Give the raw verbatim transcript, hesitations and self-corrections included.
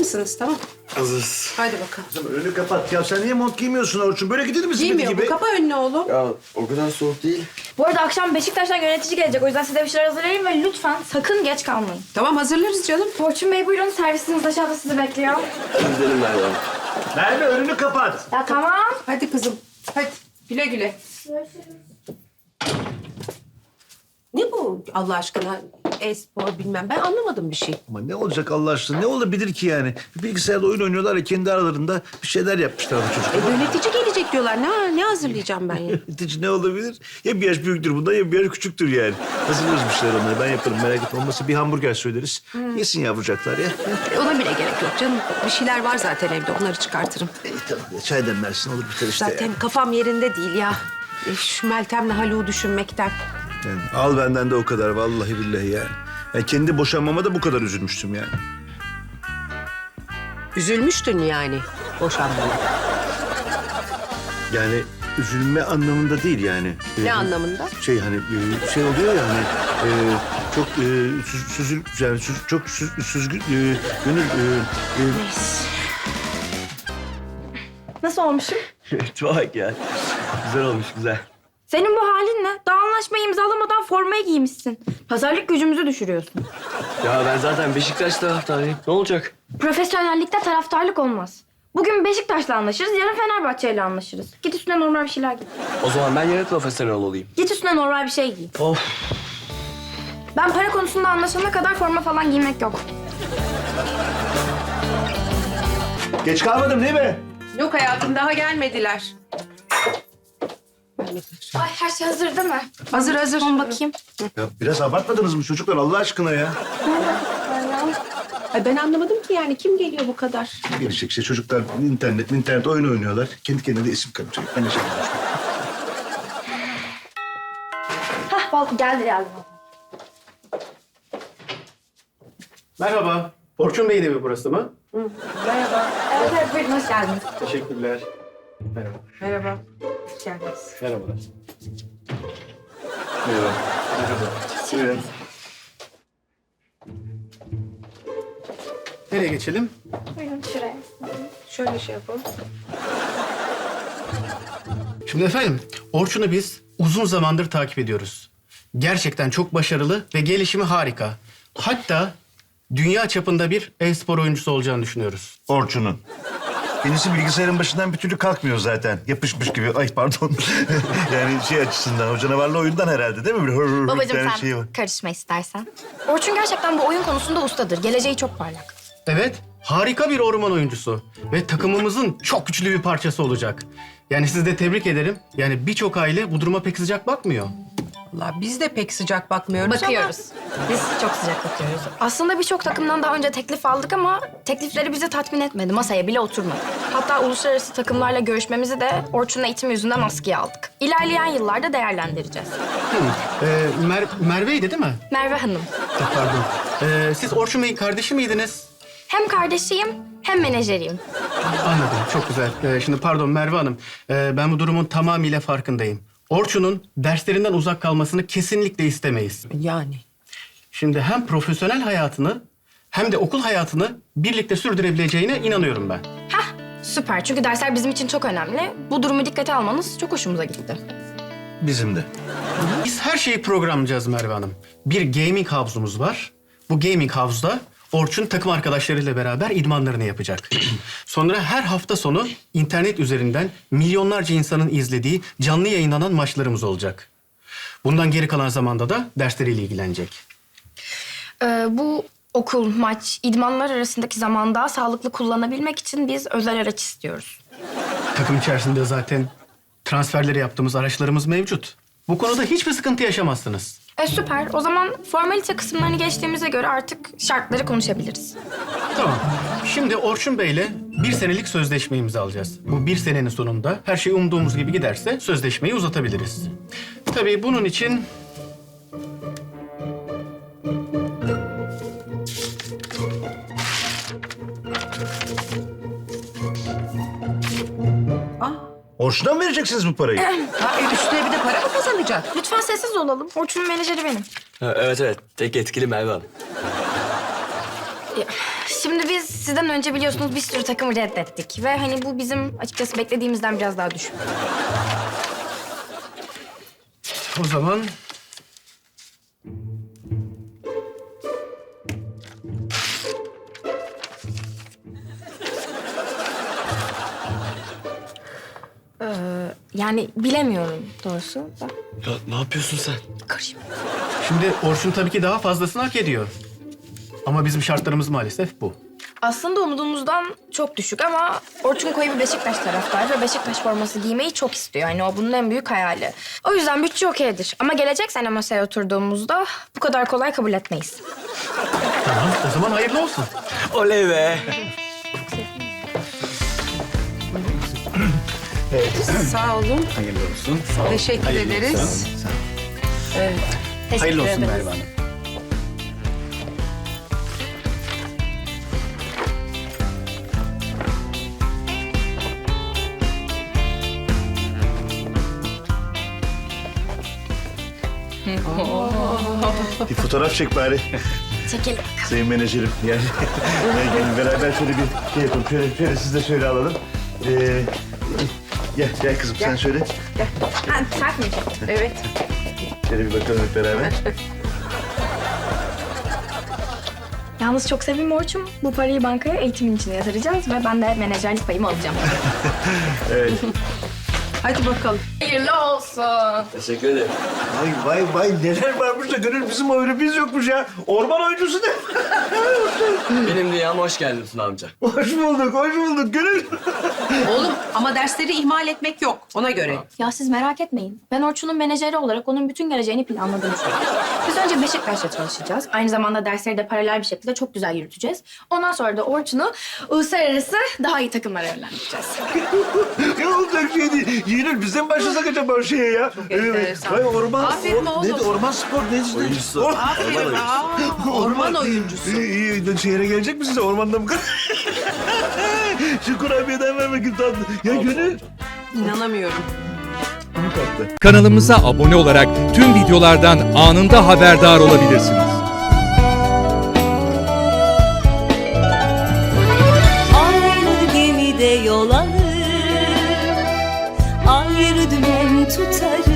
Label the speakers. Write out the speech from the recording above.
Speaker 1: mısınız? Tamam.
Speaker 2: Hazırız.
Speaker 1: Hadi bakalım.
Speaker 3: Kızım önünü kapat. Ya sen niye mont giymiyorsun Orçun? Böyle gidilir misin
Speaker 1: Giymiyor
Speaker 3: gibi?
Speaker 1: bu. Kapa önünü oğlum.
Speaker 2: Ya o kadar soğuk değil.
Speaker 4: Bu arada akşam Beşiktaş'tan yönetici gelecek. O yüzden size bir şeyler hazırlayayım ve lütfen sakın geç kalmayın.
Speaker 1: Tamam hazırlarız canım.
Speaker 4: Orçun Bey buyurun. Servisiniz aşağıda sizi bekliyor.
Speaker 2: Gidelim Merve Hanım.
Speaker 3: Merve önünü kapat.
Speaker 4: Ya tamam.
Speaker 1: Hadi kızım. Hadi. Güle güle. Ne bu Allah aşkına? E-spor bilmem. Ben anlamadım bir şey.
Speaker 3: Ama ne olacak Allah aşkına? Ne olabilir ki yani? Bir bilgisayarda oyun oynuyorlar ya kendi aralarında bir şeyler yapmışlar bu çocuklar.
Speaker 1: E, yönetici gelecek diyorlar. Ne ne hazırlayacağım ben ya?
Speaker 3: Yönetici ne olabilir? Ya bir yaş büyüktür bundan ya bir yaş küçüktür yani. Hazırlarız bir şeyler onları. Ben yaparım merak etme. Olmazsa bir hamburger söyleriz. Yesin yavrucaklar ya.
Speaker 1: E, ona bile gerek yok canım. Bir şeyler var zaten evde. Onları çıkartırım.
Speaker 3: İyi tamam ya. Çay demlersin olur biter işte.
Speaker 1: Zaten
Speaker 3: Yani.
Speaker 1: kafam yerinde değil ya. E, şu Meltem'le Haluk'u düşünmekten.
Speaker 3: Yani al benden de o kadar vallahi billahi yani. Yani kendi boşanmama da bu kadar üzülmüştüm yani.
Speaker 1: Üzülmüştün yani boşanmaya.
Speaker 3: Yani üzülme anlamında değil yani.
Speaker 1: Ne
Speaker 3: Ee,
Speaker 1: anlamında?
Speaker 3: Şey hani e, şey oluyor ya hani e, çok e, süz, süzül yani süz, çok süz, süzgün e, gönül e, e,
Speaker 1: Neyse.
Speaker 4: Nasıl olmuşum?
Speaker 2: Bak ya. Güzel olmuş güzel.
Speaker 4: Senin bu halin ne? Daha anlaşmayı imzalamadan formayı giymişsin. Pazarlık gücümüzü düşürüyorsun.
Speaker 2: Ya ben zaten Beşiktaş taraftarıyım. Ne olacak?
Speaker 4: Profesyonellikte taraftarlık olmaz. Bugün Beşiktaş'la anlaşırız, yarın Fenerbahçe'yle anlaşırız. Git üstüne normal bir şeyler giy.
Speaker 2: O zaman ben yine profesyonel olayım.
Speaker 4: Git üstüne normal bir şey giy.
Speaker 2: Of.
Speaker 4: Ben para konusunda anlaşana kadar forma falan giymek yok.
Speaker 3: Geç kalmadım değil mi?
Speaker 1: Yok hayatım daha gelmediler.
Speaker 4: Ay her şey hazır değil mi?
Speaker 1: Hazır hazır.
Speaker 4: Son bakayım.
Speaker 3: Ya biraz abartmadınız mı çocuklar Allah aşkına ya?
Speaker 1: Ay ben anlamadım ki yani kim geliyor bu kadar?
Speaker 3: Gelecek işte çocuklar internet internet oyun oynuyorlar. Kendi kendine de isim karıştırıyor. Ben de şey yapıyorum.
Speaker 4: Hah bal geldi geldi.
Speaker 5: Merhaba. Orçun Bey'in evi burası mı?
Speaker 1: Merhaba.
Speaker 4: Evet evet buyurun hoş geldiniz.
Speaker 5: Teşekkürler. Merhaba.
Speaker 1: Merhaba. Hoş geldiniz.
Speaker 5: Merhabalar. Merhaba. Merhaba. Buyurun. Nereye geçelim?
Speaker 4: Buyurun şuraya.
Speaker 1: Şöyle şey yapalım.
Speaker 5: Şimdi efendim, Orçun'u biz uzun zamandır takip ediyoruz. Gerçekten çok başarılı ve gelişimi harika. Hatta dünya çapında bir e-spor oyuncusu olacağını düşünüyoruz.
Speaker 3: Orçun'un. Kendisi bilgisayarın başından bir türlü kalkmıyor zaten. Yapışmış gibi. Ay pardon. Yani şey açısından, o canavarlı oyundan herhalde değil mi? Böyle hır hır hır bir
Speaker 4: Babacığım
Speaker 3: tane
Speaker 4: sen
Speaker 3: şey var.
Speaker 4: karışma istersen. Orçun gerçekten bu oyun konusunda ustadır. Geleceği çok parlak.
Speaker 5: Evet, harika bir orman oyuncusu ve takımımızın çok güçlü bir parçası olacak. Yani sizi de tebrik ederim. Yani birçok aile bu duruma pek sıcak bakmıyor.
Speaker 1: Vallahi biz de pek sıcak bakmıyoruz
Speaker 4: Bakıyoruz. Biz çok sıcak bakıyoruz. Aslında birçok takımdan daha önce teklif aldık ama teklifleri bizi tatmin etmedi. Masaya bile oturmadı. Hatta uluslararası takımlarla görüşmemizi de Orçun'un eğitimi yüzünden askıya aldık. İlerleyen yıllarda değerlendireceğiz.
Speaker 5: Ee, Mer Merve'ydi değil mi?
Speaker 4: Merve Hanım.
Speaker 5: Ha, pardon. Ee, siz Orçun Bey'in kardeşi miydiniz?
Speaker 4: Hem kardeşiyim hem menajeriyim.
Speaker 5: Anladım, çok güzel. Ee, şimdi pardon Merve Hanım, ee, ben bu durumun tamamıyla farkındayım. Orçun'un derslerinden uzak kalmasını kesinlikle istemeyiz.
Speaker 1: Yani.
Speaker 5: Şimdi hem profesyonel hayatını hem de okul hayatını birlikte sürdürebileceğine inanıyorum ben.
Speaker 4: Hah süper çünkü dersler bizim için çok önemli. Bu durumu dikkate almanız çok hoşumuza gitti.
Speaker 3: Bizim de.
Speaker 5: Biz her şeyi programlayacağız Merve Hanım. Bir gaming havuzumuz var. Bu gaming havuzda Orçun takım arkadaşlarıyla beraber idmanlarını yapacak. Sonra her hafta sonu internet üzerinden milyonlarca insanın izlediği canlı yayınlanan maçlarımız olacak. Bundan geri kalan zamanda da dersleriyle ilgilenecek.
Speaker 4: Ee, bu okul, maç, idmanlar arasındaki zamanda daha sağlıklı kullanabilmek için biz özel araç istiyoruz.
Speaker 5: Takım içerisinde zaten transferleri yaptığımız araçlarımız mevcut. Bu konuda hiçbir sıkıntı yaşamazsınız.
Speaker 4: E süper. O zaman formalite kısımlarını geçtiğimize göre artık şartları konuşabiliriz.
Speaker 5: Tamam. Şimdi Orçun Bey'le bir senelik sözleşme imzalayacağız. Bu bir senenin sonunda her şey umduğumuz gibi giderse sözleşmeyi uzatabiliriz. Tabii bunun için...
Speaker 1: Ah.
Speaker 3: Orçun'a mı vereceksiniz bu parayı?
Speaker 1: Ha, e, üstüne bir de para mı kazanacak?
Speaker 4: Lütfen sessiz olalım. Orçun'un menajeri benim.
Speaker 2: Ha, evet evet. Tek etkili Merve Hanım.
Speaker 4: Ya, Şimdi biz sizden önce biliyorsunuz bir sürü takımı reddettik. Ve hani bu bizim açıkçası beklediğimizden biraz daha düşük.
Speaker 5: O zaman...
Speaker 4: Yani bilemiyorum doğrusu da.
Speaker 2: Ya ne yapıyorsun sen?
Speaker 4: Karışma.
Speaker 5: Şimdi Orçun tabii ki daha fazlasını hak ediyor. Ama bizim şartlarımız maalesef bu.
Speaker 4: Aslında umduğumuzdan çok düşük ama Orçun koyu bir Beşiktaş taraftarı ve Beşiktaş forması giymeyi çok istiyor. Yani o bunun en büyük hayali. O yüzden bütçe okeydir. Ama gelecek sene masaya oturduğumuzda bu kadar kolay kabul etmeyiz.
Speaker 5: Tamam, o zaman hayırlı olsun.
Speaker 2: Oley be.
Speaker 1: Sağ olun.
Speaker 5: Hayırlı olsun.
Speaker 1: Teşekkür
Speaker 5: Hayırlı
Speaker 1: ederiz.
Speaker 5: olsun.
Speaker 1: Evet.
Speaker 5: Hayırlı olsun
Speaker 4: ederiz.
Speaker 5: Merve Hanım.
Speaker 3: Bir fotoğraf çek bari.
Speaker 4: Çekelim.
Speaker 3: Sayın menajerim yani. Yani gelin beraber şöyle bir şey yapalım. Şöyle, şöyle siz de şöyle alalım. Ee, gel, gel kızım sen şöyle.
Speaker 4: Ha, sert mi?
Speaker 1: Evet.
Speaker 3: Şöyle bir bakalım hep beraber.
Speaker 4: Yalnız çok sevimli Orçun. Bu parayı bankaya eğitimin içine yatıracağız ve ben de menajerlik payımı alacağım.
Speaker 3: Evet.
Speaker 1: Hadi bakalım.
Speaker 4: Hayırlı olsun.
Speaker 2: Teşekkür ederim.
Speaker 3: Vay vay vay neler varmış da gönül bizim oyunumuz yokmuş ya. Orman oyuncusu ne?
Speaker 2: Benim dünyama hoş geldin Tuna amca.
Speaker 3: Hoş bulduk, hoş bulduk gönül.
Speaker 1: Oğlum ama dersleri ihmal etmek yok. Ona göre.
Speaker 4: Ya siz merak etmeyin. Ben Orçun'un menajeri olarak onun bütün geleceğini planladım şu an. Biz önce Beşiktaş'ta çalışacağız. Aynı zamanda dersleri de paralel bir şekilde çok güzel yürüteceğiz. Ondan sonra da Orçun'u uluslararası daha iyi takımlara yönlendireceğiz.
Speaker 3: Ne olacak şey değil. Yeğenir bizden başlasak acaba o şeye ya. Çok
Speaker 1: enteresan.
Speaker 3: Vay orman,
Speaker 1: Aferin
Speaker 3: or,
Speaker 1: oğlum.
Speaker 3: neydi, orman spor neydi?
Speaker 2: Oyuncusu.
Speaker 3: Or-
Speaker 1: Aferin. Aa, orman oyuncusu.
Speaker 3: İyi, iyi. Şehre gelecek mi size? Ormanda mı? Şu kurabiyeden ver bakayım tatlı. Ya gönül.
Speaker 1: İnanamıyorum.
Speaker 3: Bunu kattı.
Speaker 6: Kanalımıza abone olarak tüm videolardan anında haberdar olabilirsiniz.
Speaker 7: Aynı gemide yol alır, ayrı dümen tutarız.